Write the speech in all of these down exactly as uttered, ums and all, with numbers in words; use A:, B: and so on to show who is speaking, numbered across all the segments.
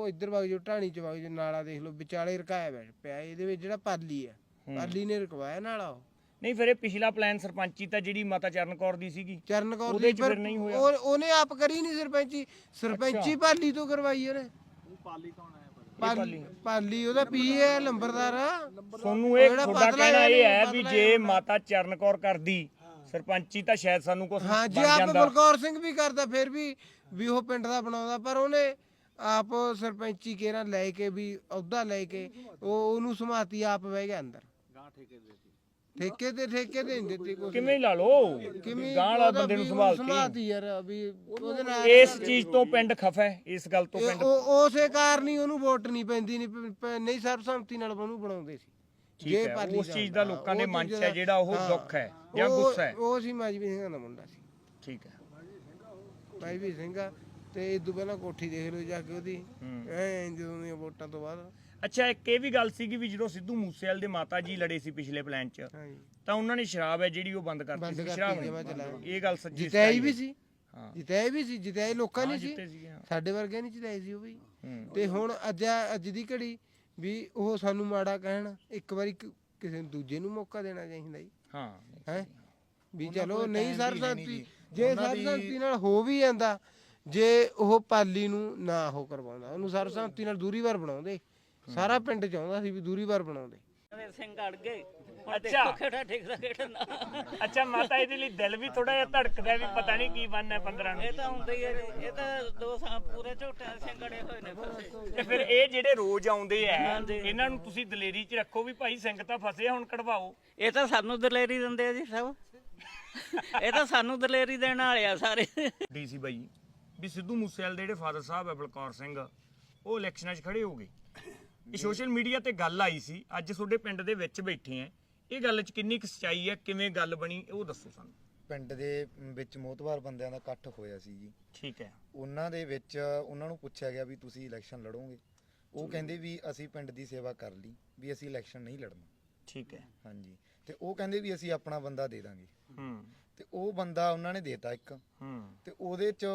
A: ਉਹ ਇੱਧਰ ਵਗ ਜਾਓ ਢਾਣੀ ਚ ਵਗ ਜਾਓ ਨਾਲਾ ਦੇਖ ਲਓ ਵਿਚਾਲੇ ਰਕਾਇਆ ਬੈਠ ਪਿਆ ਇਹਦੇ ਵਿੱਚ ਜਿਹੜਾ ਪਾਲੀ ਆ ਪਾਲੀ ਨੇ ਰਕਵਾਇਆ ਨਾਲਾ ਉਹ
B: ਨਹੀਂ ਫਿਰ ਇਹ ਪਿਛਲਾ ਪਲਾਨ ਸਰਪੰਚੀ ਤਾਂ ਜਿਹੜੀ ਮਾਤਾ ਚਰਨ ਕੌਰ ਦੀ ਸੀਗੀ
A: ਚਰਨ ਕੌਰ
B: ਉਹਦੇ
A: ਦੀ
B: ਚ ਫਿਰ ਨਹੀਂ ਹੋਇਆ
A: ਉਹ ਉਹਨੇ ਆਪ ਕਰੀ ਨਹੀਂ ਸਰਪੰਚੀ ਸਰਪੰਚੀ ਪਾਲੀ ਤੋਂ ਕਰਵਾਈ ਉਹਨੇ
C: ਪਾਲੀ ਕੌਣ ਹੈ
A: ਪਾਲੀ ਪਾਲੀ ਉਹਦਾ ਪੀ ਹੈ ਲੰਬਰਦਾਰ
B: ਸੋਨੂੰ ਇਹ ਤੁਹਾਡਾ ਕਹਿਣਾ ਇਹ ਹੈ ਵੀ ਜੇ ਮਾਤਾ ਚਰਨ ਕੌਰ ਕਰਦੀ ਸਰਪੰਚੀ ਤਾਂ ਸ਼ਾਇਦ ਸਾਨੂੰ ਕੁਝ
A: ਹਾਂ ਜੀ ਆਪ ਬਲਕੌਰ ਸਿੰਘ ਵੀ ਕਰਦਾ ਫਿਰ ਵੀ ਵੀ ਉਹ ਪਿੰਡ ਦਾ ਬਣਾਉਂਦਾ ਪਰ ਉਹਨੇ ਆਪ ਸਰਪੰਚੀ ਕੇਰਾ ਲੈ ਕੇ ਵੀ ਅਹੁਦਾ ਲੈ ਕੇ ਉਹ ਉਹਨੂੰ ਸਮਾਤੀ ਆਪ ਬਹਿ ਗਿਆ ਅੰਦਰ
C: ਗਾਂ ਠੇਕੇ ਦੇ
A: ਠੇਕੇ ਤੇ ਠੇਕੇ ਤੇ ਨਹੀਂ ਦਿੱਤੀ ਕੋਈ
B: ਕਿਵੇਂ ਲਾ ਲੋ ਗਾਂ ਵਾਲਾ ਬੰਦੇ ਨੂੰ ਸੰਭਾਲ ਕੇ
A: ਸਮਾਤੀ ਯਾਰ ਵੀ ਉਹਦੇ ਨਾਲ
B: ਇਸ ਚੀਜ਼ ਤੋਂ ਪਿੰਡ ਖਫਾ ਹੈ ਇਸ ਗੱਲ ਤੋਂ ਪਿੰਡ
A: ਉਸੇ ਕਾਰਨ ਹੀ ਉਹਨੂੰ ਵੋਟ ਨਹੀਂ ਪੈਂਦੀ ਨਹੀਂ ਨਹੀਂ ਸਰਬਸੰਮਤੀ ਨਾਲ ਉਹਨੂੰ ਬਣਾਉਂਦੇ ਸੀ
B: ਜੇ ਉਸ ਚੀਜ਼ ਦਾ ਲੋਕਾਂ ਦੇ ਮਨ 'ਚ ਹੈ ਜਿਹੜਾ ਉਹ ਦੁੱਖ ਹੈ ਜਾਂ ਗੁੱਸਾ ਹੈ
A: ਉਹ ਸੀ ਮਾਜਵੀ ਸਿੰਘਾਂ ਦਾ ਮੁੰਡਾ ਸੀ
B: ਠੀਕ ਹੈ
A: ਮਾਜਵੀ ਸਿੰਘਾ ਤੇ ਇਦੋਂ ਪਹਿਲਾਂ ਕੋਠੀ ਦੇਖ ਲਓ ਜਾ ਕੇ ਉਹਦੀ ਐ ਜਦੋਂ ਦੀਆਂ ਵੋਟਾਂ ਤੋਂ ਬਾਅਦ
B: ਅੱਛਾ ਇੱਕ ਇਹ ਵੀ ਗੱਲ ਸੀਗੀ ਵੀ ਜਦੋਂ ਸਿੱਧੂ ਮੂਸੇਵਾਲ ਦੇ ਮਾਤਾ ਜੀ ਲੜੇ ਸੀ ਪਿਛਲੇ ਪਲਾਨ 'ਚ ਤਾਂ ਉਹਨਾਂ ਨੇ ਸ਼ਰਾਬ ਹੈ ਜਿਹੜੀ ਉਹ ਬੰਦ ਕਰਤੀ ਸੀ ਸ਼ਰਾਬ ਇਹ ਗੱਲ ਸੱਚੀ
A: ਜਿਤਾਈ ਵੀ ਸੀ ਹਾਂ ਜਿਤਾਈ ਵੀ ਸੀ ਜਿਤਾਈ ਲੋਕਾਂ ਨੇ ਸੀ ਸਾਡੇ ਵਰਗੇ ਨਹੀਂ ਜਿਤਾਈ ਸੀ ਉਹ ਵੀ ਤੇ ਹੁਣ ਅੱਜ ਅੱਜ ਦੀ ਘੜੀ ਵੀ ਉਹ ਸਾਨੂੰ ਮਾੜਾ ਕਹਿਣ ਇੱਕ ਵਾਰੀ ਕਿਸੇ ਦੂਜੇ ਨੂੰ ਮੌਕਾ ਦੇਣਾ ਚਾਹੀਦਾ ਜੀ
B: ਹਾਂ
A: ਹੈ ਵੀ ਚਲੋ ਨਹੀਂ ਸਰਬਸੰਮਤੀ ਜੇ ਸਰਬਸੰਮਤੀ ਨਾਲ ਹੋ ਵੀ ਜਾਂਦਾ ਜੇ ਉਹ ਪਾਲੀ ਨੂੰ ਨਾ ਉਹ ਕਰਵਾਉਂਦਾ ਉਹਨੂੰ ਸਰਬਸੰਮਤੀ ਨਾਲ ਦੂਰੀ ਵਾਰ ਬਣਾਉਂਦੇ ਸਾਰਾ ਪਿੰਡ ਚਾਹੁੰਦਾ ਸੀ ਵੀ ਦੂਰੀ ਵਾਰ ਬਣਾਉਂਦੇ
D: ਸਿੰਘ ਅੜ ਗਏ
B: ਅੱਛਾ
D: ਕਿਹੜਾ ਠੇਕਦਾ ਕਿਹੜਾ
B: ਅੱਛਾ ਮਾਤਾ ਇਹਦੇ ਲਈ ਦਿਲ ਵੀ ਥੋੜਾ ਜਿਹਾ ਧੜਕਦਾ ਵੀ ਪਤਾ ਨਹੀਂ ਕੀ ਬਣਨਾ ਪੰਦਰਾਂ ਨੂੰ
D: ਇਹ ਤਾਂ ਹੁੰਦਾ ਹੀ ਹੈ ਇਹ ਤਾਂ ਦੋ ਸਾਲ ਪੂਰੇ ਝੋਟਿਆਂ ਦੇ ਸਿੰਘ ਅੜੇ ਹੋਏ ਨੇ ਫਸੇ
B: ਤੇ ਫਿਰ ਇਹ ਜਿਹੜੇ ਰੋਜ਼ ਆਉਂਦੇ ਆ ਇਹਨਾਂ ਨੂੰ ਤੁਸੀਂ ਦਲੇਰੀ 'ਚ ਰੱਖੋ ਵੀ ਭਾਈ ਸਿੰਘ ਤਾਂ ਫਸੇ ਹੁਣ ਕਢਵਾਓ
D: ਇਹ ਤਾਂ ਸਾਨੂੰ ਦਲੇਰੀ ਦਿੰਦੇ ਆ ਜੀ ਸਭ ਇਹ ਤਾਂ ਸਾਨੂੰ ਦਲੇਰੀ ਦੇਣ ਵਾਲੇ ਆ ਸਾਰੇ
B: ਡੀਸੀ ਬਾਈ ਵੀ ਸਿੱਧੂ ਮੂਸੇਵਾਲ ਦੇ ਜਿਹੜੇ ਫਾਦਰ ਸਾਹਿਬ ਹੈ ਬਲਕੌਰ ਸਿੰਘ ਉਹ ਇਲੈਕਸ਼ਨਾਂ 'ਚ ਖੜੇ ਹੋ ਗਏ ਇਹ ਸੋਸ਼ਲ ਮੀਡੀਆ ਤੇ ਗੱਲ ਆਈ ਸੀ ਅੱਜ ਤੁਹਾਡੇ ਪਿੰਡ ਦੇ ਵਿੱਚ ਬੈਠੇ ਆ ਇਹ ਗੱਲ 'ਚ ਕਿੰਨੀ ਕੁ ਸੱਚਾਈ ਹੈ ਕਿਵੇਂ ਗੱਲ ਬਣੀ ਉਹ ਦੱਸੋ ਸਾਨੂੰ
E: ਪਿੰਡ ਦੇ ਵਿੱਚ ਮੋਤਬਾਰ ਬੰਦਿਆਂ ਦਾ ਇਕੱਠ ਹੋਇਆ ਸੀ ਜੀ
B: ਠੀਕ ਹੈ
E: ਉਹਨਾਂ ਦੇ ਵਿੱਚ ਉਹਨਾਂ ਨੂੰ ਪੁੱਛਿਆ ਗਿਆ ਵੀ ਤੁਸੀਂ ਇਲੈਕਸ਼ਨ ਲੜੋਗੇ ਉਹ ਕਹਿੰਦੇ ਵੀ ਅਸੀਂ ਪਿੰਡ ਦੀ ਸੇਵਾ ਕਰ ਲਈ ਵੀ ਅਸੀਂ ਇਲੈਕਸ਼ਨ ਨਹੀਂ ਲੜਨਾ
B: ਠੀਕ ਹੈ
E: ਹਾਂਜੀ ਤੇ ਉਹ ਕਹਿੰਦੇ ਵੀ ਅਸੀਂ ਆਪਣਾ ਬੰਦਾ ਦੇ ਦਾਂਗੇ
B: ਹੂੰ
E: ਤੇ ਉਹ ਬੰਦਾ ਉਹਨਾਂ ਨੇ ਦੇਤਾ ਇੱਕ
B: ਹੂੰ
E: ਤੇ ਉਹਦੇ 'ਚ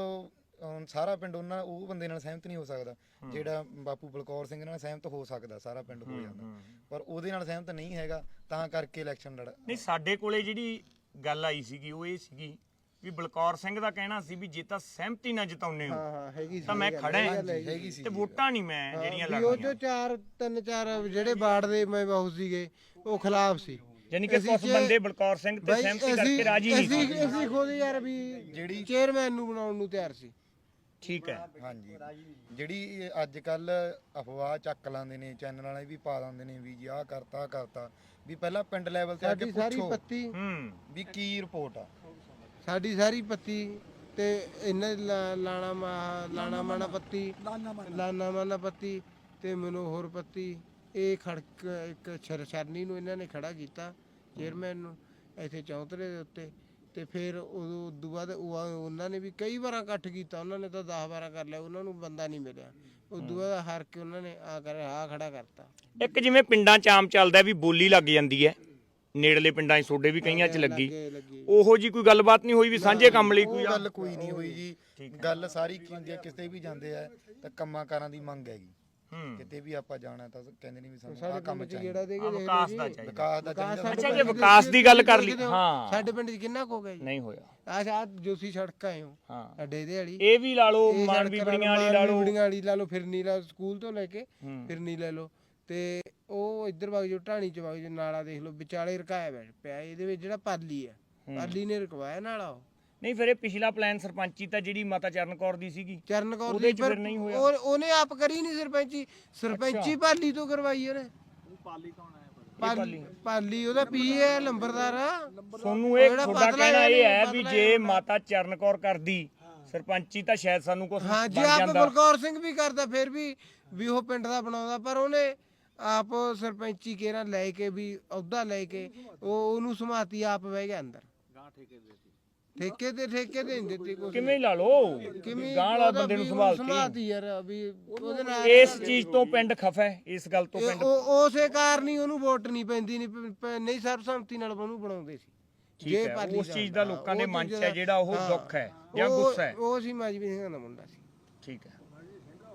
E: ਸਾਰਾ ਪਿੰਡ ਉਹਨਾਂ ਉਹ ਬੰਦੇ ਨਾਲ ਸਹਿਮਤ ਨਹੀਂ ਹੋ ਸਕਦਾ ਜਿਹੜਾ ਬਾਪੂ ਬਲਕੌਰ ਸਿੰਘ ਨਾਲ ਸਹਿਮਤ ਹੋ ਸਕਦਾ ਸਾਰਾ ਪਿੰਡ ਹੋ ਜਾਂਦਾ ਪਰ ਉਹਦੇ ਨਾਲ ਸਹਿਮਤ ਨਹੀਂ ਹੈਗਾ ਤਾਂ ਕਰਕੇ ਇਲੈਕਸ਼ਨ ਲੜ
B: ਨਹੀਂ ਸਾਡੇ ਕੋਲੇ ਜਿਹੜੀ ਗੱਲ ਆਈ ਸੀਗੀ ਉਹ ਇਹ ਸੀਗੀ ਵੀ ਬਲਕੌਰ ਸਿੰਘ ਦਾ ਕਹਿਣਾ ਸੀ ਵੀ ਜੇ ਤਾਂ ਸਹਿਮਤੀ ਨਾਲ ਜਿਤਾਉਨੇ ਹੋ
A: ਹਾਂ ਹਾਂ ਹੈਗੀ ਸੀ
B: ਤਾਂ ਮੈਂ ਖੜਾ
E: ਹੈਗੀ ਸੀ
B: ਤੇ ਵੋਟਾਂ ਨਹੀਂ ਮੈਂ ਜਿਹੜੀਆਂ
A: ਉਹ
B: ਲੜਨੀਆਂ
A: ਜੋ ਚਾਰ ਤਿੰਨ ਚਾਰ ਜਿਹੜੇ ਵਾਰਡ ਦੇ ਮੈਂ ਬਾਹੂ ਸੀਗੇ ਉਹ ਖਿਲਾਫ ਸੀ
B: ਯਾਨੀ ਕਿ ਕੁਝ ਬੰਦੇ ਬਲਕੌਰ ਸਿੰਘ ਤੇ ਸਹਿਮਤੀ ਕਰਕੇ ਰਾਜੀ ਨਹੀਂ ਸੀ
A: ਅਸੀਂ ਅਸੀਂ ਖੁਦ ਯਾਰ ਵੀ ਜਿਹੜੀ ਚੇਅਰਮੈਨ ਨੂੰ ਬਣਾਉਣ ਨੂੰ ਤਿਆਰ ਸੀ
B: ਠੀਕ ਹੈ
E: ਹਾਂਜੀ ਜਿਹੜੀ ਅੱਜ ਕੱਲ ਅਫਵਾਹ ਚੱਕ ਲਾਉਂਦੇ ਨੇ ਚੈਨਲ ਵਾਲੇ ਵੀ ਪਾ ਦਿੰਦੇ ਨੇ ਵੀ ਜੀ ਆਹ ਕਰਤਾ ਕਰਤਾ ਵੀ ਪਹਿਲਾਂ ਪਿੰਡ ਲੈਵਲ ਤੇ ਆ ਕੇ
A: ਸਾਡੀ ਸਾਰੀ
E: ਪੁੱਛੋ
A: ਪੱਤੀ
B: ਹੂੰ
E: ਵੀ ਕੀ ਰਿਪੋਰਟ ਆ
A: ਸਾਡੀ ਸਾਰੀ ਪੱਤੀ ਤੇ ਇਹਨਾਂ ਲਾਣਾ ਲਾਣਾ ਮਾਣਾ ਪੱਤੀ ਲਾਣਾ ਮਾਣਾ ਪੱਤੀ ਤੇ ਮਨੋਹਰ ਪੱਤੀ ਇਹ ਖੜਕ ਇੱਕ ਛਰਛਰਨੀ ਨੂੰ ਇਹਨਾਂ ਨੇ ਖੜਾ ਕੀਤਾ ਚੇਅਰਮੈਨ ਨੂੰ ਇੱਥੇ ਚੌਂਤਰੇ ਦੇ ਉੱਤੇ ਤੇ ਫਿਰ ਉਦੋਂ ਉਦੋਂ ਬਾਅਦ ਉਹਨਾਂ ਨੇ ਵੀ ਕਈ ਵਾਰਾਂ ਇਕੱਠ ਕੀਤਾ ਉਹਨਾਂ ਨੇ ਤਾਂ ਦਸ ਬਾਰਾਂ ਕਰ ਲਿਆ ਉਹਨਾਂ ਨੂੰ ਬੰਦਾ ਨਹੀਂ ਮਿਲਿਆ ਉਦੋਂ ਬਾਅਦ ਹਾਰ ਕੇ ਉਹਨਾਂ ਨੇ ਆ ਕਰ ਆ ਖੜਾ ਕਰਤਾ
B: ਇੱਕ ਜਿਵੇਂ ਪਿੰਡਾਂ 'ਚ ਆਮ ਚੱਲਦਾ ਵੀ ਬੋਲੀ ਲੱਗ ਜਾਂਦੀ ਹੈ ਨੇੜਲੇ ਪਿੰਡਾਂ 'ਚ ਤੁਹਾਡੇ ਵੀ ਕਈਆਂ 'ਚ ਲੱਗੀ ਉਹੋ ਜੀ ਕੋਈ ਗੱਲਬਾਤ ਨਹੀਂ ਹੋਈ ਵੀ ਸਾਂਝੇ ਕੰਮ ਲਈ ਕੋਈ
E: ਗੱਲ ਕੋਈ ਨਹੀਂ ਹੋਈ ਜੀ ਗੱਲ ਸਾਰੀ ਕੀ ਹੁੰਦੀ ਹੈ ਕਿਸੇ ਵੀ ਜਾਂਦੇ ਆ ਤਾਂ ਕੰਮਾਂ ਕਾਰਾਂ ਦੀ ਮੰਗ ਹੈਗੀ ਕਿਤੇ ਵੀ ਆਪਾਂ ਜਾਣਾ ਤਾਂ ਕਹਿੰਦੇ ਨਹੀਂ ਵੀ ਸਾਨੂੰ ਆਹ ਕੰਮ ਚਾਹੀਦਾ
B: ਵਿਕਾਸ ਦਾ ਚਾਹੀਦਾ
E: ਵਿਕਾਸ ਦਾ ਚਾਹੀਦਾ
B: ਅੱਛਾ ਜੇ ਵਿਕਾਸ ਦੀ ਗੱਲ ਕਰ ਲਈ ਹਾਂ
A: ਸਾਡੇ ਪਿੰਡ 'ਚ ਕਿੰਨਾ ਕੁ ਹੋ ਗਿਆ ਜੀ
B: ਨਹੀਂ ਹੋਇਆ
A: ਆਹ ਆ ਜੋਸੀ ਸੜਕ ਆਏ ਹੋ
B: ਹਾਂ
A: ਅੱਡੇ ਦੇ ਵਾਲੀ
B: ਇਹ ਵੀ ਲਾ ਲਓ ਮਾਨਵੀ ਬੜੀਆਂ ਵਾਲੀ ਲਾ ਲਓ
A: ਬੜੀਆਂ ਵਾਲੀ ਲਾ ਲਓ ਫਿਰਨੀ ਲਾ ਸਕੂਲ ਤੋਂ ਲੈ ਕੇ ਫਿਰਨੀ ਲੈ ਲਓ ਤੇ ਉਹ ਇੱਧਰ ਵਗ ਜਾਓ ਢਾਣੀ ਚ ਵਗ ਜਾਓ ਨਾਲਾ ਦੇਖ ਲਓ ਵਿਚਾਲੇ ਰਕਾਇਆ ਬੈਠ ਪਿਆ ਇਹਦੇ ਵਿੱਚ ਜਿਹੜਾ ਪਾਲੀ ਆ ਪਾਲੀ ਨੇ ਰਕਵਾਇਆ ਨਾਲਾ ਉਹ
B: ਨਹੀਂ ਫਿਰ ਇਹ ਪਿਛਲਾ ਪਲਾਨ ਸਰਪੰਚੀ ਤਾਂ ਜਿਹੜੀ ਮਾਤਾ ਚਰਨ ਕੌਰ ਦੀ ਸੀਗੀ
A: ਚਰਨ ਕੌਰ
B: ਉਹਦੇ
A: ਦੀ
B: ਚ ਫਿਰ ਨਹੀਂ ਹੋਇਆ
A: ਉਹ ਉਹਨੇ ਆਪ ਕਰੀ ਨਹੀਂ ਸਰਪੰਚੀ ਸਰਪੰਚੀ ਪਾਲੀ ਤੋਂ ਕਰਵਾਈ ਉਹਨੇ
C: ਪਾਲੀ ਕੌਣ ਹੈ
A: ਪਾਲੀ ਪਾਲੀ ਉਹਦਾ ਪੀ ਹੈ ਲੰਬਰਦਾਰ
B: ਸੋਨੂੰ ਇਹ ਤੁਹਾਡਾ ਕਹਿਣਾ ਇਹ ਹੈ ਵੀ ਜੇ ਮਾਤਾ ਚਰਨ ਕੌਰ ਕਰਦੀ ਸਰਪੰਚੀ ਤਾਂ ਸ਼ਾਇਦ ਸਾਨੂੰ ਕੁਝ
A: ਹਾਂ ਜੀ ਆਪ ਬਲਕੌਰ ਸਿੰਘ ਵੀ ਕਰਦਾ ਫਿਰ ਵੀ ਵੀ ਉਹ ਪਿੰਡ ਦਾ ਬਣਾਉਂਦਾ ਪਰ ਉਹਨੇ ਆਪ ਸਰਪੰਚੀ ਕੇਰਾ ਲੈ ਕੇ ਵੀ ਅਹੁਦਾ ਲੈ ਕੇ ਉਹ ਉਹਨੂੰ ਸਮਾਤੀ ਆਪ ਬਹਿ ਗਿਆ ਅੰਦਰ
C: ਗਾਂ ਠੇਕੇ ਦੇ
A: ਠੇਕੇ ਤੇ ਠੇਕੇ ਤੇ ਨਹੀਂ ਦਿੱਤੀ ਕੋਈ
B: ਕਿਵੇਂ ਲਾ ਲੋ ਗਾਂ ਵਾਲਾ ਬੰਦੇ ਨੂੰ ਸੰਭਾਲ ਕੇ
A: ਸਮਾਤੀ ਯਾਰ ਵੀ ਉਹਦੇ ਨਾਲ
B: ਇਸ ਚੀਜ਼ ਤੋਂ ਪਿੰਡ ਖਫਾ ਹੈ ਇਸ ਗੱਲ ਤੋਂ ਪਿੰਡ
A: ਉਸੇ ਕਾਰਨ ਹੀ ਉਹਨੂੰ ਵੋਟ ਨਹੀਂ ਪੈਂਦੀ ਨਹੀਂ ਨਹੀਂ ਸਰਬਸੰਮਤੀ ਨਾਲ ਉਹਨੂੰ ਬਣਾਉਂਦੇ ਸੀ
B: ਜੇ ਉਸ ਚੀਜ਼ ਦਾ ਲੋਕਾਂ ਦੇ ਮਨ 'ਚ ਹੈ ਜਿਹੜਾ ਉਹ ਦੁੱਖ ਹੈ ਜਾਂ ਗੁੱਸਾ ਹੈ
A: ਉਹ ਸੀ ਮਾਜਵੀ ਸਿੰਘਾਂ ਦਾ ਮੁੰਡਾ ਸੀ
B: ਠੀਕ ਹੈ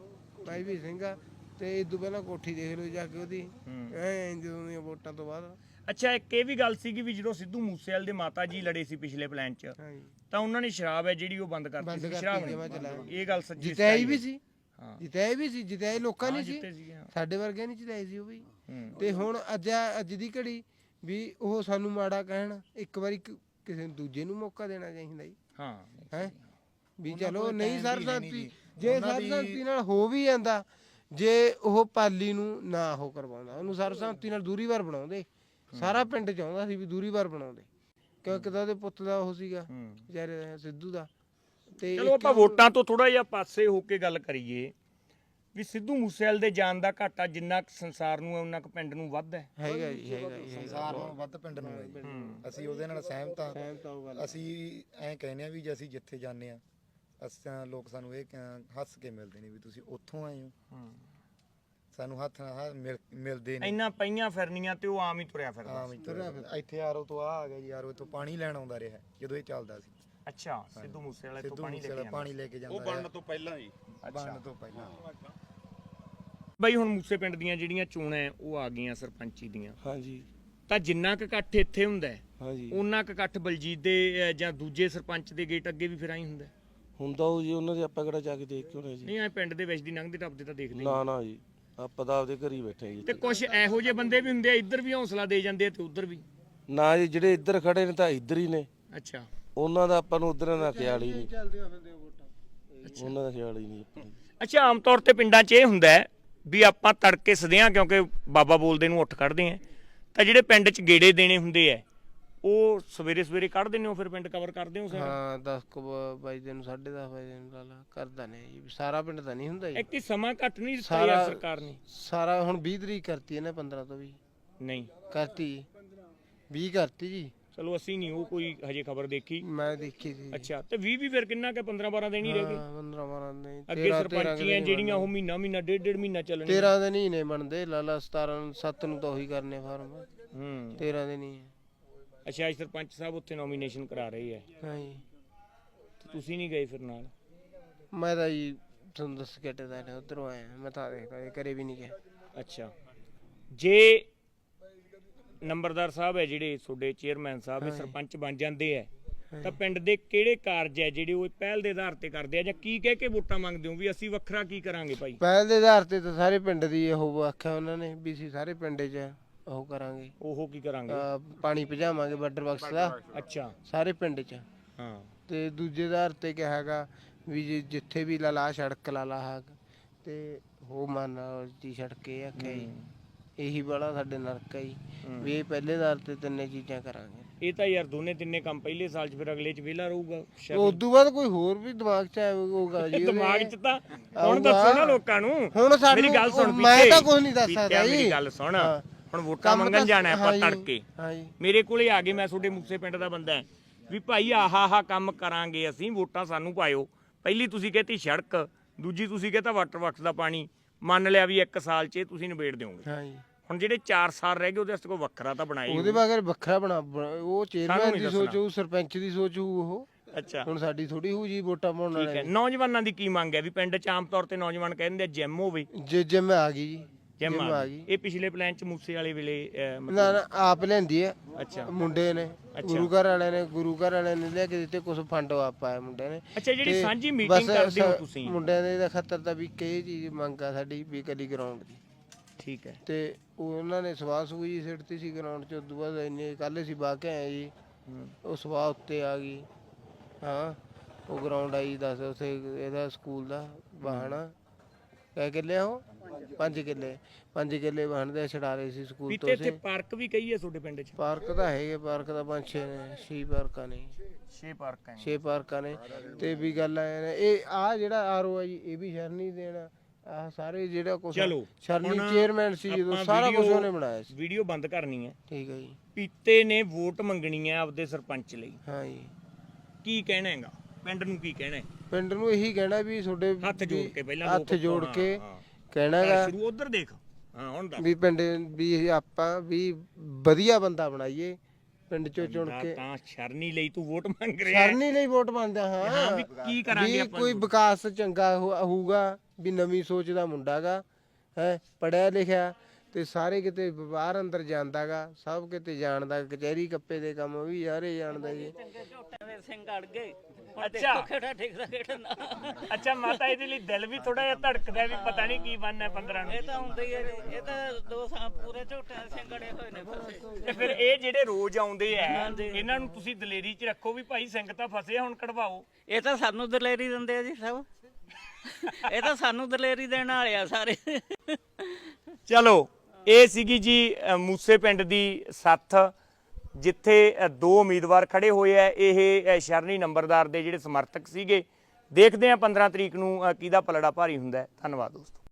A: ਮੈਂ ਵੀ ਸਿੰਘ ਆ ਤੇ ਇਦੋਂ ਪਹਿਲਾਂ ਕੋਠੀ ਦੇਖ ਲਓ ਜਾ ਕੇ ਉਹਦੀ ਐ ਜਦੋਂ ਦੀਆਂ ਵੋਟਾਂ ਤੋਂ ਬਾਅਦ।
B: ਅੱਛਾ, ਇੱਕ ਇਹ ਵੀ ਗੱਲ ਸੀਗੀ ਵੀ ਜਦੋਂ ਸਿੱਧੂ ਮੂਸੇਵਾਲੇ ਦੇ ਮਾਤਾ ਜੀ ਲੜੇ ਸੀ ਪਿਛਲੇ ਪਲਾਨ 'ਚ
A: ਹਾਂਜੀ
B: ਤਾਂ ਉਹਨਾਂ ਨੇ ਸ਼ਰਾਬ ਹੈ ਜਿਹੜੀ ਉਹ ਬੰਦ ਕਰਤੀ
A: ਬੰਦ
B: ਸੀ,
A: ਕਰਤੀ
B: ਸ਼ਰਾਬ
A: ਜਮਾਂ
B: ਨਹੀਂ।
A: ਚਲਾਇਆ।
B: ਇਹ ਗੱਲ ਸੱਚੀ
A: ਜਿਤਾਈ ਵੀ ਸੀ,
B: ਹਾਂ
A: ਜਿਤਾਈ ਵੀ ਸੀ, ਜਿਤਾਈ ਲੋਕਾਂ ਨੇ ਸੀ,
B: ਜਿੱਤੇ ਸੀਗੇ, ਹਾਂ।
A: ਸਾਡੇ ਵਰਗਿਆਂ ਨਹੀਂ ਜਿਤਾਈ ਸੀ ਉਹ ਵੀ।
B: ਹੂੰ।
A: ਤੇ ਹੁਣ ਅੱਜ ਅੱਜ ਦੀ ਘੜੀ ਵੀ ਉਹ ਸਾਨੂੰ ਮਾੜਾ ਕਹਿਣ, ਇੱਕ ਵਾਰੀ ਕ- ਕਿਸੇ ਦੂਜੇ ਨੂੰ ਮੌਕਾ ਦੇਣਾ ਚਾਹੀਦਾ ਜੀ
B: ਹਾਂ
A: ਹੈ ਵੀ
E: ਉਹਨਾਂ
A: ਚਲੋ
E: ਕੋਲ
A: ਨਹੀਂ
E: time ਵੀ ਹੈ ਨੀ
A: ਸਰਬਸੰਮਤੀ
E: ਜੀ।
A: ਜੇ
E: ਉਹਨਾਂ ਦੀ-
A: ਸਰਬਸੰਮਤੀ ਨਾਲ ਹੋ ਵੀ ਜਾਂਦਾ, ਜੇ ਉਹ ਪਾਲੀ ਨੂੰ ਨਾ ਉਹ ਕਰਵਾਉਂਦਾ, ਉਹਨੂੰ ਸਰਬਸੰਮਤੀ ਨਾਲ ਦੂਰੀ ਵਾਰ ਬਣਾਉਂਦੇ, ਸਾਰਾ ਪਿੰਡ ਚਾਹੁੰਦਾ ਸੀ ਵੀ ਦੂਰੀ ਵਾਰ ਬਣਾਉਂਦੇ, ਕਿਉਂਕਿ ਤਾਂ ਉਹਦੇ ਪੁੱਤ ਦਾ ਉਹ ਸੀਗਾ
B: ਹੂੰ।
A: ਵਿਚਾਰੇ ਦਾ, ਸਿੱਧੂ ਦਾ। ਤੇ
B: ਚਲੋ ਆਪਾਂ ਵੋਟਾਂ ਤੋਂ ਥੋੜਾ ਜਿਹਾ ਪਾਸੇ ਹੋ ਕੇ ਗੱਲ ਕਰੀਏ ਵੀ ਸਿੱਧੂ ਮੂਸੇਵਾਲੇ ਦੇ ਜਾਨ ਦਾ ਘਾਟਾ ਜਿੰਨਾ ਕੁ ਸੰਸਾਰ ਨੂੰ ਹੈ ਉਹਨਾਂ ਕੁ ਪਿੰਡ ਨੂੰ ਵੱਧ ਹੈ।
A: ਹੈਗਾ ਜੀ ਹੈਗਾ ਜੀ ਹੈਗਾ।
E: ਸੰਸਾਰ ਨਾਲੋਂ ਵੱਧ ਪਿੰਡ ਨੂੰ ਹੈ ਜੀ।
B: ਹੂੰ।
E: ਅਸੀਂ ਉਹਦੇ ਨਾਲ ਸਹਿਮਤ ਹਾਂ।
A: ਸਹਿਮਤ ਹਾਂ ਉਹ ਗੱਲ।
E: ਅਸੀਂ ਐਂ ਕਹਿੰਦੇ ਆ ਵੀ ਜੇ ਅਸੀਂ ਜਿੱਥੇ ਜਾਂਦੇ ਆ ਅਸਾਂ ਲੋਕ ਸਾਨੂੰ ਇਹ ਕ- ਹੱਸ ਕੇ ਮਿਲਦੇ ਨੇ ਵੀ ਤੁਸੀਂ ਉੱਥੋਂ ਆਏ ਹੋ,
B: ਹੂੰ।
E: ਸਾਨੂੰ ਹੱਥ ਨਾਲ ਹੱਥ ਮਿਲ- ਮਿਲਦੇ ਨੇ।
B: ਇੰਨਾ ਪਈਆਂ ਫਿਰਨੀਆਂ ਤੇ ਉਹ ਆਮ ਹੀ ਤੁਰਿਆ ਫਿਰਦਾ
E: ਹਾਂ ਵੀ ਤੁਰਿਆ ਫਿਰਦਾ। ਇੱਥੇ ਆਰੋ ਤੋਂ ਆ ਆ ਗਿਆ ਜੀ, ਆਰੋ ਤੋਂ ਪਾਣੀ ਲੈਣ ਆਉਂਦਾ ਰਿਹਾ ਜਦੋਂ ਇਹ ਚੱਲਦਾ ਸੀ।
B: ਅੱਛਾ, ਸਿੱਧੂ ਮੂਸੇਵਾਲੇ ਤੋਂ
E: ਸਿੱਧੂ
B: ਪਾਣੀ ਲੈ ਕੇ
E: ਮੂਸੇਵਾਲਾ
B: ਜਾਂਦਾ।
E: ਪਾਣੀ ਲੈ ਕੇ ਜਾਂਦਾ
C: ਉਹ
E: ਰਿਹਾ।
C: ਬਣਨ ਤੋਂ ਪਹਿਲਾਂ ਜੀ
E: ਬਣਨ ਤੋਂ ਪਹਿਲਾਂ।
B: ਬਈ ਹੁਣ ਮੂਸੇ ਪਿੰਡ ਦੀਆਂ ਜਿਹੜੀਆਂ ਚੋਣਾਂ ਹੈ, ਉਹ ਆ ਗਈਆਂ ਸਰਪੰਚੀ ਦੀਆਂ,
A: ਹਾਂਜੀ
B: ਤਾਂ ਜਿੰਨਾ ਕੁ ਇਕੱਠ ਇੱਥੇ ਹੁੰਦਾ ਹੈ
A: ਹਾਂਜੀ
B: ਉਹਨਾਂ ਕੁ ਇਕੱਠ ਬਲਜੀਤ ਦੇ ਅਹ, ਜਾਂ ਦੂਜੇ ਸਰਪੰਚ ਦੇ ਗੇਟ ਅੱਗੇ ਵੀ ਫਿਰ ਆਈ ਹੁੰਦਾ ਹੈ?
F: ਹੁੰਦਾ ਉਹ ਜੀ, ਉਹਨਾਂ ਦੇ ਆਪਾਂ ਕਿਹੜਾ ਜਾ ਕੇ ਦੇਖ ਕੇ ਹੋਣੇ ਜੀ।
B: ਨਹੀਂ ਐ ਪਿੰਡ ਦੇ ਵਿੱਚ ਦੀ ਲੰਘਦੇ ਟੱਪਦੇ ਤਾਂ ਦੇਖਦੇ ਹੀ।
F: ਨਾ ਨਾ ਜੀ, ਆਪਾਂ ਤਾਂ ਆਪਦੇ ਘਰ ਹੀ ਬੈਠੇ ਜੀ।
B: ਤੇ ਕੁਝ ਇਹੋ ਜਿਹੇ ਬੰਦੇ ਵੀ ਹੁੰਦੇ ਆ, ਇੱਧਰ ਵੀ ਹੌਸਲਾ ਦੇ ਜਾਂਦੇ ਆ ਤੇ ਉੱਧਰ ਵੀ।
F: ਨਾ ਜੀ, ਜਿਹੜੇ ਇੱਧਰ ਖੜੇ ਨੇ ਤਾਂ ਇੱਧਰ ਹੀ ਨੇ,
B: ਅੱਛਾ,
F: ਉਹਨਾਂ ਦਾ ਆਪਾਂ ਨੂੰ ਉਧਰ ਦਾ ਖਿਆਲ ਹੀ ਨਹੀਂ,
A: ਚੱਲਦੇ ਆ ਫਿਰਦੇ ਵੋਟਾਂ।
F: ਉਹਨਾਂ ਦਾ ਖਿਆਲ ਹੀ ਨਹੀਂ ਆਪਾਂ ਨੂੰ।
B: ਅੱਛਾ, ਆਮ ਤੌਰ ਤੇ ਪਿੰਡਾਂ 'ਚ ਇਹ ਹੁੰਦਾ ਹੈ ਵੀ ਆਪਾਂ ਤੜਕੇ ਸਦਿਆਂ ਕਿਉਂਕਿ ਬਾਬਾ ਬੋਲਦੇ ਨੂੰ ਉੱਠ ਕੱਢਦੇ ਆ, ਤਾਂ ਜਿਹੜੇ ਪਿੰਡ 'ਚ ਗੇੜੇ ਦੇਣੇ ਹੁੰਦੇ ਆ ਉਹ ਸਵੇਰੇ ਸਵੇਰੇ ਕੱਢ ਦਿੰਦੇ ਹੋ, ਫਿਰ ਪਿੰਡ ਕਵਰ ਕਰਦੇ ਹੋ ਸਾਰਾ?
A: ਹਾਂ ਦਸ ਕੁ ਵਜੇ ਨੂੰ ਸਾਢੇ ਦਸ ਵਜੇ ਨੂੰ ਲਾ ਲਾ ਕਰਦਾ ਨੇ ਜੀ, ਸਾਰਾ ਪਿੰਡ ਤਾਂ ਨਹੀਂ ਹੁੰਦਾ ਜੀ।
B: ਇੱਕ ਹੀ ਸਮਾਂ ਘੱਟ ਨਹੀਂ ਦਿੱਤਾ
A: ਸਾਰਾ-
B: ਯਾਰ ਸਰਕਾਰ ਨੇ?
A: ਸਾਰਾ ਹੁਣ ਵੀਹ ਤਰੀਕ ਕਰਤੀ ਇਹਨੇ, ਪੰਦਰਾਂ ਤੋਂ ਵੀ
B: ਨਹੀਂ,
A: ਕਰਤੀ ਜੀ, ਵੀਹ ਕਰਤੀ ਜੀ,
B: ਚਲੋ ਅਸੀਂ ਨਹੀਂ ਉਹ ਕੋਈ ਹਜੇ ਖਬਰ ਦੇਖੀ।
A: ਮੈਂ ਦੇਖੀ ਸੀ।
B: ਅੱਛਾ, ਤੇ ਵੀਹ ਵੀ ਫਿਰ ਕਿੰਨਾ ਕਿ ਪੰਦਰਾਂ ਬਾਰਾਂ ਦਿਨ ਹੀ ਰਹਿ ਗਏ।
A: ਹਾਂ ਪੰਦਰਾਂ ਬਾਰਾਂ ਨਹੀਂ,
B: ਅੱਗੇ ਸਰਪੰਚੀਆਂ ਜਿਹੜੀਆਂ ਉਹ ਮਹੀਨਾ ਮਹੀਨਾ ਡੇਢ ਡੇਢ ਮਹੀਨਾ ਚੱਲਣੀਆਂ।
A: ਤੇਰਾਂ ਦਿਨ ਹੀ ਨੇ ਬਣਦੇ, ਲਾਲਾ ਸਤਾਰਾਂ ਨੂੰ ਸੱਤ ਨੂੰ ਤਾਂ ਉਹੀ ਕਰਨੇ ਫਾਰਮ,
B: ਹੂੰ।
A: ਤੇਰਾਂ ਦਿਨ ਹੀ ਹੈ।
B: ਅੱਛਾ, ਅੱਜ ਸਰਪੰਚ ਸਾਹਿਬ ਉੱਥੇ ਨੋਮੀਨੇਸ਼ਨ ਕਰਾ ਰਹੇ ਹੈ,
A: ਹਾਂ ਜੀ,
B: ਤੇ ਤੁਸੀਂ ਨਹੀਂ ਗਏ ਫਿਰ ਨਾਲ?
A: ਮੈਂ ਤਾਂ ਜੀ ਤੁਹਾਨੂੰ ਦੱਸ ਕੇ ਟਦਾ ਨੇ ਉਧਰੋਂ ਆਇਆ, ਮੈਂ ਤਾਂ ਦੇਖਦਾ ਇਹ ਕਰੇ ਵੀ ਨਹੀਂ ਗਿਆ।
B: ਅੱਛਾ, ਜੇ ਨੰਬਰਦਾਰ ਸਾਹਿਬ ਹੈ ਜਿਹੜੇ ਤੁਹਾਡੇ ਚੇਅਰਮੈਨ ਸਾਹਿਬ ਇਹ ਸਰਪੰਚ ਬਣ ਜਾਂਦੇ ਹੈ ਤਾਂ ਪਿੰਡ ਦੇ ਕਿਹੜੇ ਕਾਰਜ ਹੈ ਜਿਹੜੇ ਉਹ ਪਹਿਲ ਦੇ ਆਧਾਰ ਤੇ ਕਰਦੇ ਆ, ਜਾਂ ਕੀ ਕਹਿ ਕੇ ਵੋਟਾਂ ਮੰਗਦੇ ਹੋ ਵੀ ਅਸੀਂ ਵੱਖਰਾ ਕੀ ਕਰਾਂਗੇ ਭਾਈ?
A: ਪਹਿਲ ਦੇ ਆਧਾਰ ਤੇ ਤਾਂ ਸਾਰੇ ਪਿੰਡ ਦੀ ਉਹ ਆਖਿਆ ਉਹਨਾਂ ਨੇ ਵੀ ਅਸੀਂ ਸਾਰੇ ਪਿੰਡ 'ਚ ਉਹ ਕਰਾਂਗੇ,
B: ਉਹ ਕੀ ਕਰਾਂਗੇ?
A: ਅਹ ਪਾਣੀ ਭਜਾਵਾਂਗੇ ਵਾਟਰ ਬਾਕਸ ਦਾ
B: ਅੱਛਾ,
A: ਸਾਰੇ ਪਿੰਡ 'ਚ।
B: ਹਾਂ।
A: ਤੇ ਦੂਜੇ ਆਧਾਰ ਤੇ ਕਿਹਾ ਹੈਗਾ ਵੀ ਜੇ ਜਿੱਥੇ ਵੀ ਲਾਲਾ ਸੜਕ ਲਾਲਾ ਹਾਕ ਤੇ ਉਹ ਮਨ ਦੀ ਸੜਕ ਇਹ ਆਖਿਆ ਜੀ, ਇਹੀ ਬੜਾ ਸਾਡੇ ਨਰਕ ਹੈ ਜੀ, ਵੀ ਇਹ ਪਹਿਲੇ ਆਧਾਰ ਤੇ ਤਿੰਨੇ ਚੀਜ਼ਾਂ ਕਰਾਂਗੇ।
B: ਇਹ ਤਾਂ ਯਾਰ ਦੋਨੇ ਤਿੰਨੇ ਕੰਮ ਪਹਿਲੇ ਸਾਲ 'ਚ, ਫਿਰ ਅਗਲੇ 'ਚ ਵਿਹਲਾ ਰਹੂਗਾ ਸ਼ਾਇਦ।
A: ਉਸ ਤੋਂ ਬਾਅਦ ਕੋਈ ਹੋਰ ਵੀ ਦਿਮਾਗ 'ਚ ਆਊਗਾ ਜੀ,
B: ਦਿਮਾਗ 'ਚ ਤਾਂ ਹੁਣ ਦੱਸੋ ਨਾ ਲੋਕਾਂ ਨੂੰ।
A: ਹੁਣ ਸਾਨੂੰ
B: ਮੇਰੀ ਗੱਲ ਸੁਣ,
A: ਮੈਂ
B: ਪੀਤੇ,
A: ਤਾਂ ਕੁਝ ਨਹੀਂ ਦੱਸ
B: ਪੀਤਿਆ
A: ਸਕਦਾ ਜੀ।
B: ਮੇਰੀ ਗੱਲ ਸੁਣ,
A: ਹਾਂ।
B: ਹੁਣ ਵੋਟਾਂ
A: ਕੰਮ
B: ਮੰਗਣ
A: ਤਾਂ-
B: ਜਾਣਾ ਆਪਾਂ
A: ਹਾਂ ਜੀ,
B: ਤੜਕੇ,
A: ਹਾਂ ਜੀ,
B: ਮੇਰੇ ਕੋਲੇ ਆ ਗਏ, ਮੈਂ ਤੁਹਾਡੇ ਮੂਸੇ ਪਿੰਡ ਦਾ ਬੰਦਾ ਵੀ ਭਾਈ ਆਹ ਆਹ ਕੰਮ ਕਰਾਂਗੇ ਅਸੀਂ, ਵੋਟਾਂ ਸਾਨੂੰ ਪਾਇਓ। ਪਹਿਲੀ ਤੁਸੀਂ ਕਹਤੀ ਸੜਕ, ਦੂਜੀ ਤੁਸੀਂ ਕਹਤਾ ਵਾਟਰ ਵਰਕਸ ਦਾ ਪਾਣੀ, ਮੰਨ ਲਿਆ ਵੀ ਇੱਕ ਸਾਲ 'ਚ ਤੁਸੀਂ ਨਿਬੇੜ ਦਿਓਗੇ।
A: ਹਾਂ ਜੀ।
B: ਹੁਣ ਜਿਹੜੇ ਚਾਰ ਸਾਲ ਰਹਿ ਗਏ ਉਹਦੇ ਵਾਸਤੇ ਕੋਈ ਵੱਖਰਾ ਤਾਂ ਬਣਾਏ
A: ਉਹਦੇ ਬਾਰੇ ਵੱਖਰਾ ਬਣਾ ਬਣਾ- ਉਹ ਚੇਅਰਮੈਨ
B: ਨਹੀਂ
A: ਦੀ
B: ਦੱਸਣਾ।
A: ਸੋਚ ਹੋਊ, ਸਰਪੰਚ ਦੀ ਸੋਚ ਹੋਊ, ਉਹ
B: ਅੱਛਾ,
A: ਹੁਣ ਸਾਡੀ ਥੋੜੀ ਹੋਊ ਜੀ ਵੋਟਾਂ ਪਾਉਣ
B: ਠੀਕ ਹੈ।
A: ਵਾਲੇ।
B: ਨੌਜਵਾਨਾਂ ਦੀ ਕੀ ਮੰਗ ਹੈ ਵੀ ਪਿੰਡ 'ਚ ਆਮ ਤੌਰ ਤੇ ਨੌਜਵਾਨ ਕਹਿੰਦੇ ਆ ਜਿਮ ਹੋਵੇ,
A: ਜੇ ਜਿਮ ਆ ਗਈ ਜੀ,
B: ਜਿਮ
A: ਜਿਮ
B: ਆ
A: ਆ
B: ਗਈ।
A: ਗਈ।
B: ਇਹ ਪਿਛਲੇ ਪਲਾਨ 'ਚ ਮੂਸੇ ਵਾਲੇ ਵੇਲੇ ਅਹ, ਮਤਲਬ
A: ਨਾ ਨਾ ਆਪ ਲੈਂਦੀ ਹੈ,
B: ਅੱਛਾ
A: ਮੁੰਡੇ ਨੇ, ਗੁਰੂ ਘਰ ਵਾਲਿਆਂ ਨੇ ਗੁਰੂ ਘਰ ਵਾਲਿਆਂ ਨੇ ਲੈ ਕੇ ਦਿੱਤੇ, ਕੁਝ ਫੰਡ ਆਪ ਪਾਇਆ ਮੁੰਡਿਆਂ ਨੇ।
B: ਅੱਛਾ, ਜਿਹੜੀ
A: ਤੇ
B: ਸਾਂਝੀ
A: ਬਸ
B: ਮੀਟਿੰਗ ਕਰਦੇ ਹੋ
A: ਸ-
B: ਤੁਸੀਂ?
A: ਮੁੰਡਿਆਂ ਦੇ ਦਾ ਖਤਰ ਤਾਂ ਵੀ ਕਈ ਚੀਜ਼ ਮੰਗ ਆ ਸਾਡੀ ਵੀ ਕਲੀ ਗਰਾਊਂਡ ਦੀ,
B: ਠੀਕ ਹੈ।
A: ਤੇ ਉਹ ਉਹਨਾਂ ਨੇ ਸਵਾਹ ਸੂਈ ਸਿੱਟਤੀ ਸੀ ਗਰਾਊਂਡ 'ਚ। ਉਦੋਂ ਬਾਅਦ ਇੰਨੇ ਕੱਲ੍ਹ ਅਸੀਂ ਬਾਹ ਕੇ ਆਏ ਜੀ, ਉਹ ਸਵਾਹ ਉੱਤੇ ਆ ਗਈ। ਹਾਂ, ਉਹ ਗਰਾਊਂਡ ਆਈ ਦੱਸ ਉੱਥੇ ਇਹਦਾ ਸਕੂਲ ਦਾ ਵਾਹਣਾ ਕਹਿ ਕਿੱਲੇ ਉਹ ਪੰਜ ਕਿੱਲੇ ਪੰਜ ਕਿੱਲੇ ਵਾਹਣਦੇ ਛਡਾ ਰਹੇ ਸੀ ਸਕੂਲ
B: ਵੀ
A: ਤੋਂ
B: ਤੇ ਇੱਥੇ
A: ਅਸੀਂ।
B: ਪਾਰਕ ਵੀ ਕਈ ਹੈ ਤੁਹਾਡੇ ਪਿੰਡ 'ਚ?
A: ਪਾਰਕ ਤਾਂ ਹੈਗੇ, ਪਾਰਕ ਤਾਂ ਪੰਜ ਛੇ ਨੇ, ਛੇ ਪਾਰਕਾਂ ਨੇ,
B: ਛੇ ਪਾਰਕ ਹੈ।
A: ਛੇ ਪਾਰਕਾਂ ਨੇ। ਤੇ ਵੀ ਗੱਲ ਆਏ ਨੇ, ਇਹ ਆ ਜਿਹੜਾ ਆਰਓ ਆ ਜੀ, ਇਹ ਵੀ ਸ਼ਰਨੀ ਦੇਣਾ, ਆਹ ਸਾਰੇ ਜਿਹੜਾ ਕੁਛ
B: ਚਲੋ,
A: ਸ਼ਰਨੀ
B: ਹੁਣ
A: ਚੇਅਰਮੈਨ ਸੀ ਜਦੋਂ,
B: ਆਪਾਂ
A: ਸਾਰਾ ਕੁਝ
B: ਵੀਡੀਓ-
A: ਉਹਨੇ ਬਣਾਇਆ ਸੀ।
B: ਵੀਡੀਓ ਬੰਦ ਕਰਨੀ ਹੈ।
A: ਠੀਕ ਹੈ ਜੀ,
B: ਪੀਤੇ ਨੇ ਵੋਟ ਮੰਗਣੀ ਹੈ ਆਪਦੇ ਸਰਪੰਚ ਲਈ,
A: ਹਾਂ ਜੀ।
B: ਕੀ ਕਹਿਣਾ ਹੈਗਾ ਪਿੰਡ ਨੂੰ? ਕੀ ਕਹਿਣਾ ਹੈ?
A: ਪਿੰਡ ਨੂੰ ਇਹੀ ਕਹਿਣਾ ਵੀ ਤੁਹਾਡੇ
B: ਹੱਥ ਜੋੜ ਕੇ ਪਹਿਲਾਂ
A: ਹੱਥ
B: ਲੋਕ-
A: ਜੋੜ
B: ਹਾਂ,
A: ਕੇ
B: ਹਾਂ।
A: ਕਹਿਣਾ
B: ਚੱਲ
A: ਗਾ
B: ਸ਼ੁਰੂ ਉਧਰ ਦੇਖ। ਹਾਂ, ਹੁਣ ਦੱਸ।
A: ਵੀ ਪਿੰਡ ਵੀ ਆਪਾਂ ਵੀ ਵਧੀਆ ਬੰਦਾ ਬਣਾਈਏ, ਪਿੰਡ ਚੋਂ ਚੁਣ
B: ਤਾਂ-
A: ਕੇ
B: ਤਾਂ ਸ਼ਰਨੀ ਲਈ ਤੂੰ ਵੋਟ ਮੰਗ ਰਿਹਾ ਹੈ।
A: ਸਰਨੀ ਲਈ ਵੋਟ ਪਾਉਂਦਾ
B: ਹਾਂ
A: ਹਾਂ
B: ਵੀ ਕੀ ਕਰਾਂਗੇ
A: ਵੀ
B: ਆਪਾਂ
A: ਕੋਈ
B: ਨੂੰ?
A: ਵਿਕਾਸ ਚੰਗਾ ਹੋ- ਹੋਊਗਾ ਵੀ ਨਵੀਂ ਸੋਚ ਦਾ ਮੁੰਡਾ ਗਾ ਹੈ ਪੜਿਆ ਲਿਖਿਆ ਤੇ ਸਾਰੇ ਕਿਤੇ ਬਾਹਰ ਅੰਦਰ ਜਾਂਦਾਗਾ ਸਭ ਕਿਤੇ ਜਾਣਦਾ ਕਚਹਿਰੀ ਕੱਪੇ ਦੇ ਕੰਮ ਵੀ ਸਾਰੇ ਜਾਣਦਾ ਜੀ
D: ਚੰਗੇ ਝੋਟਿਆਂ ਦੇ ਸਿੰਘ ਅੜ ਗਏ ਹੁਣ
B: ਅੱਛਾ।
D: ਦੇਖੋ ਕਿਹੜਾ ਠਿਕਦਾ ਕਿਹੜਾ ਨਾ
B: ਅੱਛਾ ਮਾਤਾ ਇਹਦੇ ਲਈ ਦਿਲ ਵੀ ਥੋੜਾ ਜਿਹਾ ਧੜਕਦਾ ਵੀ ਪਤਾ ਨਹੀਂ ਕੀ ਬਣਨਾ ਪੰਦਰਾਂ ਨੂੰ
D: ਇਹ ਤਾਂ ਹੁੰਦਾ ਹੀ ਹੈ ਜੀ, ਇਹ ਤਾਂ ਦੋ ਸਾਲ ਪੂਰੇ ਝੋਟਿਆਂ ਦੇ ਸਿੰਘ ਅੜੇ ਹੋਏ ਨੇ ਫਸੇ
B: ਤੇ ਫਿਰ ਇਹ ਜਿਹੜੇ ਰੋਜ਼ ਆਉਂਦੇ ਆ
D: ਹਾਂਜੀ।
B: ਇਹਨਾਂ ਨੂੰ ਤੁਸੀਂ ਦਲੇਰੀ 'ਚ ਰੱਖੋ ਵੀ ਭਾਈ ਸਿੰਘ ਤਾਂ ਫਸੇ ਆ, ਹੁਣ ਕਢਵਾਓ।
D: ਇਹ ਤਾਂ ਸਾਨੂੰ ਦਲੇਰੀ ਦਿੰਦੇ ਆ ਜੀ ਸਭ ਇਹ ਤਾਂ ਸਾਨੂੰ ਦਲੇਰੀ ਦੇਣ ਵਾਲੇ ਆ ਸਾਰੇ
B: ਚਲੋ ਇਹ ਸੀਗੀ ਜੀ ਅ, ਮੂਸੇ ਪਿੰਡ ਦੀ ਸੱਥ ਜਿੱਥੇ ਅ, ਦੋ ਉਮੀਦਵਾਰ ਖੜੇ ਹੋਏ ਆ। ਇਹ ਅ, ਸ਼ਰਨੀ ਨੰਬਰਦਾਰ ਦੇ ਜਿਹੜੇ ਸਮਰਥਕ ਸੀਗੇ। ਦੇਖਦੇ ਆ ਪੰਦਰਾਂ ਤਰੀਕ ਨੂੰ ਅ, ਕਿਹਦਾ ਪਲੜਾ ਭਾਰੀ ਹੁੰਦਾ ਹੈ। ਧੰਨਵਾਦ ਦੋਸਤੋ।